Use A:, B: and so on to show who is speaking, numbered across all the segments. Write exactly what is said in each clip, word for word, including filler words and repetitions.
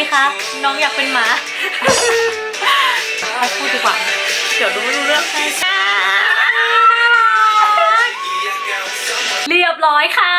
A: คะน้องอยากเป็นหมาไปพูดดีกว่าเดี๋ยวดูไม่รู้เรื่องเรียบร้อยค่ะ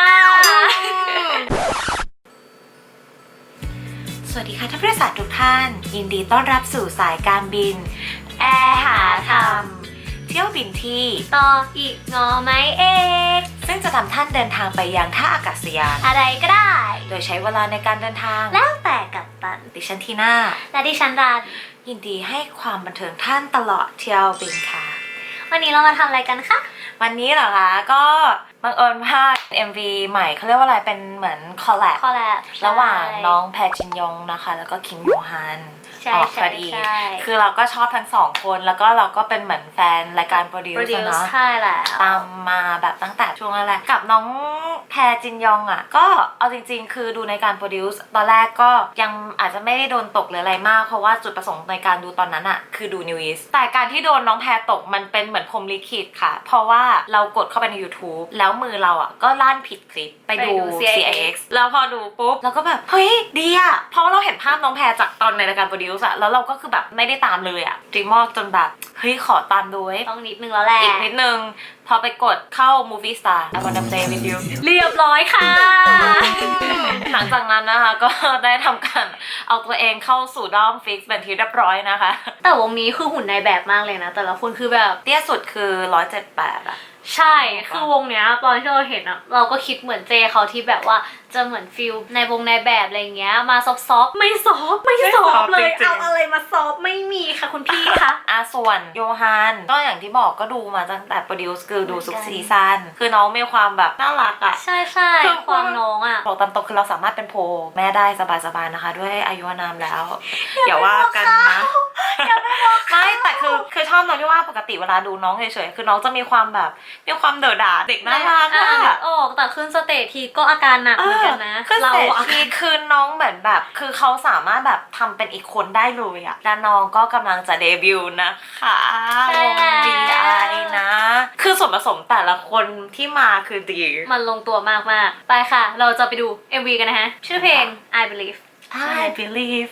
A: สวัสดีค่ะท่านผู้โดยสารทุกท่านยินดีต้อนรับสู่สายการบินแอร์หาธรรมเที่ยวบินที่ต่ออีกงอไหมเอกซึ่งจะทำท่านเดินทางไปยังท่าอากาศยานอะไรก็ได้โดยใช้เวลาในการเดินทางแล้วแต่กัปตันดิฉันทีน่าและดิฉันรันยินดีให้ความบันเทิงท่านตลอดเที่ยวบินค่ะวันนี้เรามาทำอะไรกันคะวันนี้เหรอคะก็บังเอิญว่า เอ็ม วี ใหม่เขาเรียกว่าอะไรเป็นเหมือนคอลแลบระหว่างน้องแพรจินยงนะคะแล้วก็คิมโยฮันออกพอดีคือเราก็ชอบทั้งสองคนแล้วก็เราก็เป็นเหมือนแฟนรายการโปรดิวซ์เนาะใช่แหละตามมาแบบตั้งแต่ช่วงแรกกับน้องแพรจินยองอ่ะก็เอาจริงๆคือดูในการโปรดิวซ์ตอนแรกก็ยังอาจจะไม่ได้โดนตกหรืออะไรมากเพราะว่าจุดประสงค์ในการดูตอนนั้นอ่ะคือดูนิวอีสแต่การที่โดนน้องแพรตกมันเป็นเหมือนพรหมลิขิตค่ะเพราะว่าเรากดเข้าไปใน YouTube แล้วมือเราอ่ะก็ลั่นผิดคลิปไปดู ซี ไอ เอ็กซ์ แล้วพอดูปุ๊บเราก็แบบเฮ้ยดีอ่ะเพราะว่าเราเห็นภาพน้องแพรจากตอนในรายการโปรดิวซ์อะแล้วเราก็คือแบบไม่ได้ตามเลยอะจริงมากจนแบบเฮ้ยขอตามด้วยต้องนิดนึงแล้วแหละอีกนิดนึงพอไปกดเข้า Movie Star I wanna play with you เรียบร้อยค่ะ หลังจากนั้นนะคะก็ได้ทำการเอาตัวเองเข้าสู่ด้อมฟิกซ์เป็นที่เรียบร้อยนะคะแต่วงนี้คือหุ่นในแบบมากเลยนะแต่ละคนคือแบบเตี้ยสุดคือหนึ่งร้อยเจ็ดสิบแปดอะใช่คือวงเนี้ยตอนที่เราเห็นอะเราก็คิดเหมือนเจเขาที่แบบว่าจะเหมือนฟิลในวงในแบบอะไรเงี้ยมาซอฟต์ๆไม่ซอฟไม่ซอฟเลยเอาอะไรมาซอฟไม่มีค่ะคุณพี่คะอ่ะส่วนโยฮันก็อย่างที่บอกก็ดูมาตั้งแต่โปรดิวซ์คือดูทุกซีซั่นคือน้องมีความแบบน่ารักอะใช่ใช่ความน้องอะบอกตามตรงคือเราสามารถเป็นโพแม่ได้สบายๆนะคะด้วยอายุอานามแล้วอย่าว่ากันนะไม่แต่คือคือชอบน้องที่ว่าปกติเวลาดูน้องเฉยๆคือน้องจะมีความแบบมีความเดือดดาเด็กน่ารักอะออกแต่ขึ้นสเตจทีก็อาการหนักเหมือนกันนะขึ้นสเตจทีคือน้องเหมือนแบบคือเขาสามารถแบบทำเป็นอีกคนได้เลยอะและน้องก็กำลังจะเดบิวต์นะคะวง บี ไอ นะคือส่วนผสมแต่ละคนที่มาคือดีมันลงตัวมากๆไปค่ะเราจะไปดู เอ็ม วี กันนะฮะชื่อเพลง I Believe I believe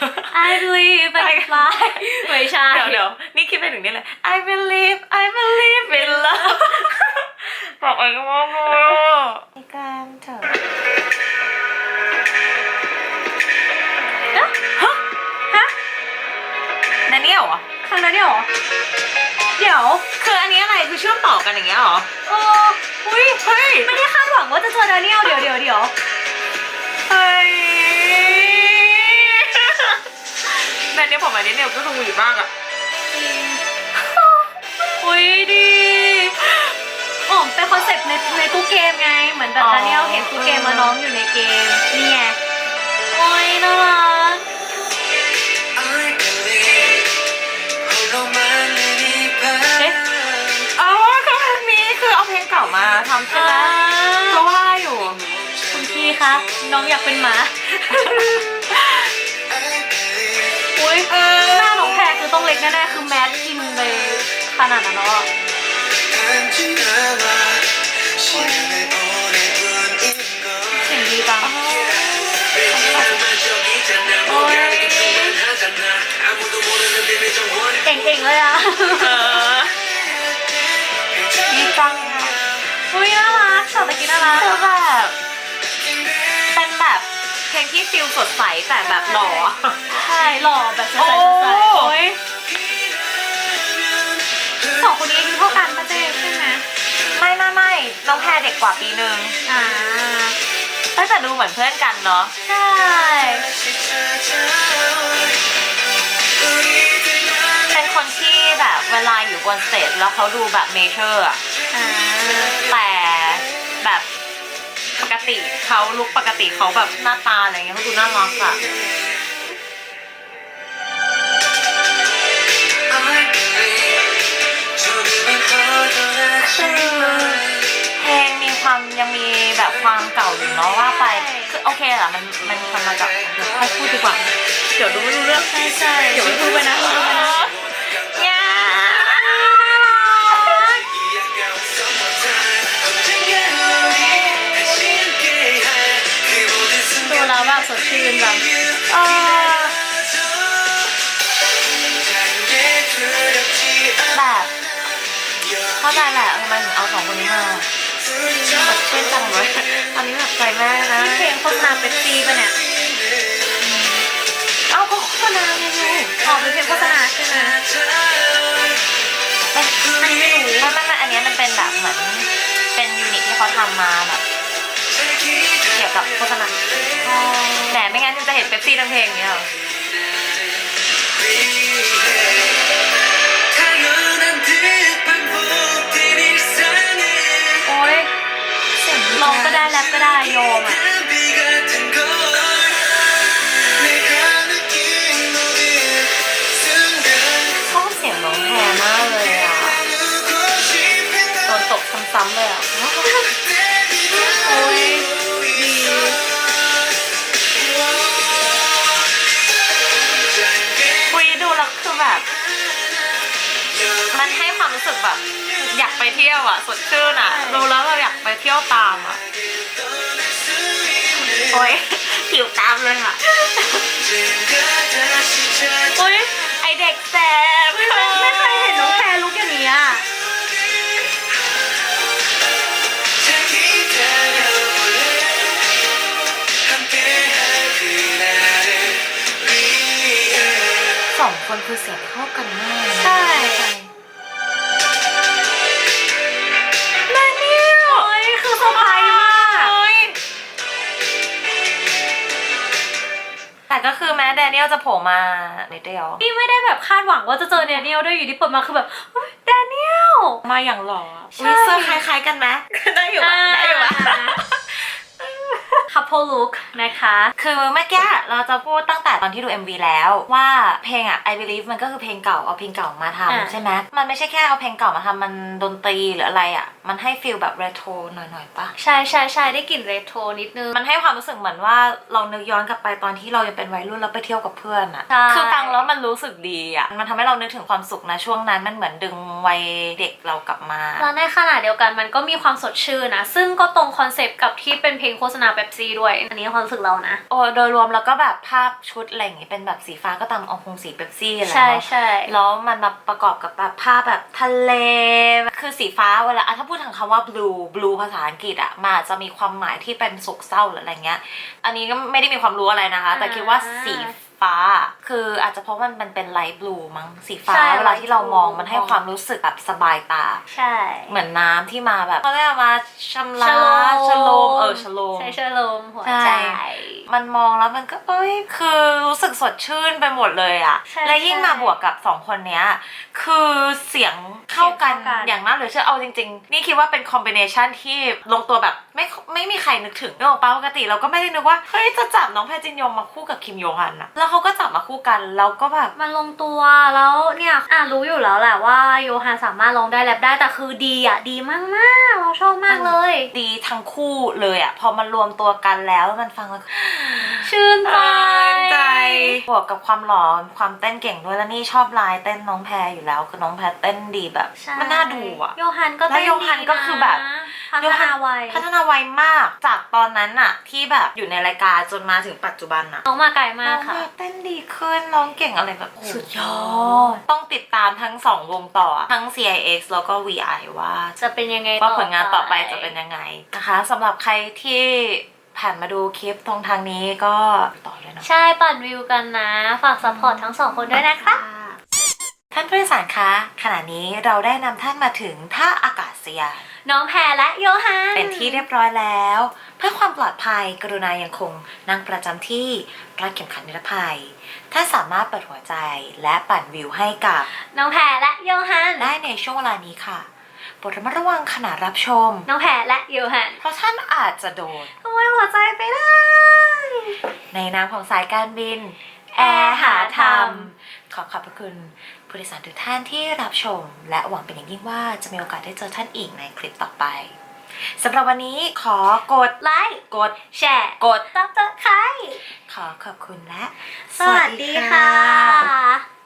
A: I believe I fly ไม่ใช่เดี๋ยวเดี๋ยวนี่คิดไปถึงนี่เลย I believe I believe in love บอกเองว่าโง่นี่กันเถอะฮะฮะนั่นเนี่ยเหรอข้างนั้นเนี่ยเหรอเดี๋ยวคืออันนี้อะไรคือเชื่อมต่อกันอย่างเงี้ยเหรอเอออุ้ยเฮ้ยไม่ได้คาดหวังว่าจะเจอดานิเอลเดี๋ยวเดี๋ยวเดี๋ยวเฮ้ยแม่เนี่ยผมอันนี้เนี่ยก็สวีทมากอ่ะอุ้ยดีอ๋อเป็นคอนเซ็ปต์ในในตู้เกมไงเหมือนแบบดานิเอลเห็นตู้เกมมาน้องอยู่ในเกมนี่ไงโอ้ยน่ารักเอ๊ะอ๋อคือเพลงนี้คือเอาเพลงเก่ามาทำใช่ไหมเพราะว่าอยู่คุณพี่คะน้องอยากเป็นหมาอุ้ยหน้าน้องแพรคือต้องเล็กแน่ๆคือแมสกินไปขนาดนั้นแล้วอ่ะเสียงดีจังโอ้ยเก่งๆเลยอ่ะดีจังอ่ะอุ้ยน่ารักชอบตะกี้น่ารักคือแบบเป็นแบบเพลงที่ฟิลสดใสแต่แบบหล่อใช่หล่อแบบสดใสสดใสโอ้ยสองคนนี้อายุเท่ากันปะเจ๊ใช่ไหมไม่ไม่ไม่น้องแพรเด็กกว่าปีนึงอ่าตั้งแต่ดูเหมือนเพื่อนกันเนาะใช่เป็นคนที่แบบเวลาอยู่บนสเตจแล้วเขาดูแบบเมเจอร์อะแต่แบบปกติเขาลุกปกติเขาแบบหน้าตาอะไรเงี้ยเขาดูน่ารักอะเพลงมีความยังมีแบบความเก่าอยู่เนาะว่าไปคือโอเคแหละมันมันทำมาจากให้พูดดีกว่าเดี๋ยวดูไม่รู้เรื่องใช่ใช่เดี๋ยวไม่พูดไปนะพูดไปนะดูแล้วแบบสดชื่นแบบองคนนี้มาสดชื่นจังเลยตอนนี้แบบใจแม่นะ
B: เพลงโฆษณาเป็นซีป่ะเนี่ย
A: เอ้าก็โฆษณาไงยู
B: ออกเป็นเพลงโฆษณาใช่ไหม
A: ไม่ไม่รู้ว่ามันอันนี้มันเป็นแบบเหมือนเป็นยูนิตที่เขาทำมาแบบเกี่ยวกับโฆษณาแหมไม่งั้นจะเห็นเป๊ปซี่ทั้งเพลงอย่างเงี้ยหรอโอ๊ยร้องก็ได้แรปก็ได้โยมอ่ะชอบเสียงน้องแพรมากเลยอ่ะโดนตกซ้ำๆเลยอ่ะโอ๊ยดีคุยดูแล้วคือแบบมันให้ความรู้สึกแบบอยากไปเที่ยวอ่ะสดชื่นอ่ะดูแล้วเราอยากไปเที่ยวตามอ่ะโอ๊ยหิวตามเลยอ่ะโอ๊ยไอเด็กแสบ
B: ไม่ไม่เคยเห็นน้องแพรลุกอย่างนี้อ่ะ
A: สองคนคือเสียงเข้ากันมาก
B: ใช่แม่เนี่ยโอ้ยคือเซอร์ไพรส์มาก
A: แต่ก็คือแม้แดเนียลจะโผล่มานิดเดียว
B: นี่ไม่ได้แบบคาดหวังว่าจะเจอแดเนียลด้วยอยู่ที่เปิดมาคือแบบเฮ้ยแดเนียล
A: มาอย่างหล่อ
B: ใช่
A: วิเซอร์คล้ายๆกันไหมได้อยู่อะได้อยู่อะ
B: couple look นะคะ
A: คือเมื่อกี้เราจะพูดตั้งแต่ตอนที่ดู เอ็ม วี แล้วว่าเพลงอะ I Believe มันก็คือเพลงเก่าเอาเพลงเก่ามาทำใช่ไหมมันไม่ใช่แค่เอาเพลงเก่ามาทำมันดนตรีหรืออะไรอะมันให้ฟีลแบบเรโทรหน่อยๆปะ
B: ใช่ใช่ใช่ได้กลิ่นเรโทรนิดนึง
A: มันให้ความรู้สึกเหมือนว่าเรานึกย้อนกลับไปตอนที่เรายังเป็นวัยรุ่นแล้วไปเที่ยวกับเพื่อนอะ
B: ใช่
A: คือฟังแล้วมันรู้สึกดีอะมันทำให้เรานึกถึงความสุขนะช่วงนั้นมันเหมือนดึงวัยเด็กเรากลับมา
B: แล้วในขณะเดียวกันมันก็มีความสดชื่นนะ ซึ่งก็ตรงคอนเซปต์กับที่เป็นเพลงโฆษณาเป๊ปซี่ด้วย อันนี้ความรู้สึกเรานะ
A: โอ้โดยรวมแล้วก็แบบภาพชุดอะไรอย่างงี้เป็นแบบสีฟ้าก็ตามเอาคงสีเป๊ปซี่อะไร
B: ใช่
A: เนาะ
B: ใช่
A: แล้วมันมาประกอบกับแบบภาพแบบทะเลคือสีฟ้าเวลาอ่ะถ้าพูดถึงคำว่า blue blue ภาษาอังกฤษอะมันอาจจะมีความหมายที่เป็นโศกเศร้าหรืออะไรเงี้ยอันนี้ก็ไม่ได้มีความรู้อะไรนะคะ แต่คิดว่าสีฟ้าคืออาจจะเพราะมันมันเป็นไลท์บลูมั้งสีฟ้าเวลาที่เรามองมันให้ความรู้สึกแบบสบายตา
B: ใช่
A: เหมือนน้ำที่มาแบบเขาเรียกมาชำระชโลมเออชโลม
B: ใช่ชโลมหัว
A: ใช่
B: ใจ
A: มันมองแล้วมันก็เอ้ยคือรู้สึกสดชื่นไปหมดเลยอะ
B: ใช่
A: และยิ่งมาบวกกับสองคนเนี้ยคือเสียงเข้ากัน
B: เสียงเข้ากัน
A: อย่างน่าเหลือเชื่อเอาจริงๆนี่คิดว่าเป็นคอมบิเนชันที่ลงตัวแบบไม่ไม่มีใครนึกถึงนึกออกปะปกติเราก็ไม่ได้นึกว่าเฮ้ยจะจับน้องแพรจินยงมาคู่กับคิมโยฮันอะแล้วเขาก็จับมาคู่กันแล้วก็แบบ
B: มันลงตัวแล้วเนี่ยอ่ะรู้อยู่แล้วแหละว่าโยฮันสามารถร้องได้แรปได้แต่คือดีอ่ะดีมากๆเราชอบมากเลย
A: ดีทั้งคู่เลยอะพอมันรวมตัวกันแล้วมันฟังแล้ว
B: ชื่นใจ
A: ใจบวกกับความหล่อความเต้นเก่งด้วยแล้วนี่ชอบลายเต้นน้องแพรอยู่แล้วคือน้องแพรเต้นดีแบบ
B: ใช่
A: มันน่าดูอะ
B: โยฮันก็
A: แล้ว
B: เต้น
A: โยฮันก็คือแบบ
B: พัฒนาไว
A: พัฒนาไวมากจากตอนนั้นอะที่แบบอยู่ในรายการจนมาถึงปัจจุบันอะ
B: น้องมาไกลมา
A: น้
B: ก
A: อง
B: ค่ะ
A: แบบเต้นดีขึ้นน้องเก่งอะไรแบบ
B: สุดยอด
A: ต้องติดตามทั้งสองวงต่อทั้ง ซี ไอ เอ็กซ์ แล้วก็ วี ไอ ว่า
B: จะเป็นยังไง
A: ว่าผลงานต่อไปจะเป็นยังไงนะคะสำหรับใครที่ผ่านมาดูคลิปตรงทางนี้ก็ต่อเลยนะ
B: ใช่ปั่นวิวกันนะ ฝากซัพพอร์ตทั้งสองคนด้วยนะคะ
A: ท่านผู้โดยสารคะขณะนี้เราได้นำท่านมาถึงท่าอากาศยาน
B: น้องแพรและโยฮัน
A: เป็นที่เรียบร้อยแล้ว เพื่อความปลอดภัยกรุณายังคงนั่งประจำที่รัดเข็มขัดนิรภัยท่านสามารถเปิดหัวใจและปั่นวิวให้กับ
B: น้องแพรและโยฮัน
A: ได้ในช่วงเวลานี้ค่ะโปรดระมัดระวังขณะรับชม
B: น้องแพรและโยฮัน
A: เพราะท่านอาจจะโดน
B: ขโมยหัวใจไปได้
A: ในนามของสายการบินแอร์หาธรรมขอขอบพระคุณผู้โดยสารทุกท่านที่รับชม และหวังเป็นอย่างยิ่งว่าจะมีโอกาสได้เจอท่านอีกในคลิปต่อไปสำหรับวันนี้ขอกด
B: ไลค์
A: กด
B: แชร์
A: กด
B: ซับสไครต์
A: ขอขอบคุณและ
B: สวัสดีค่ะ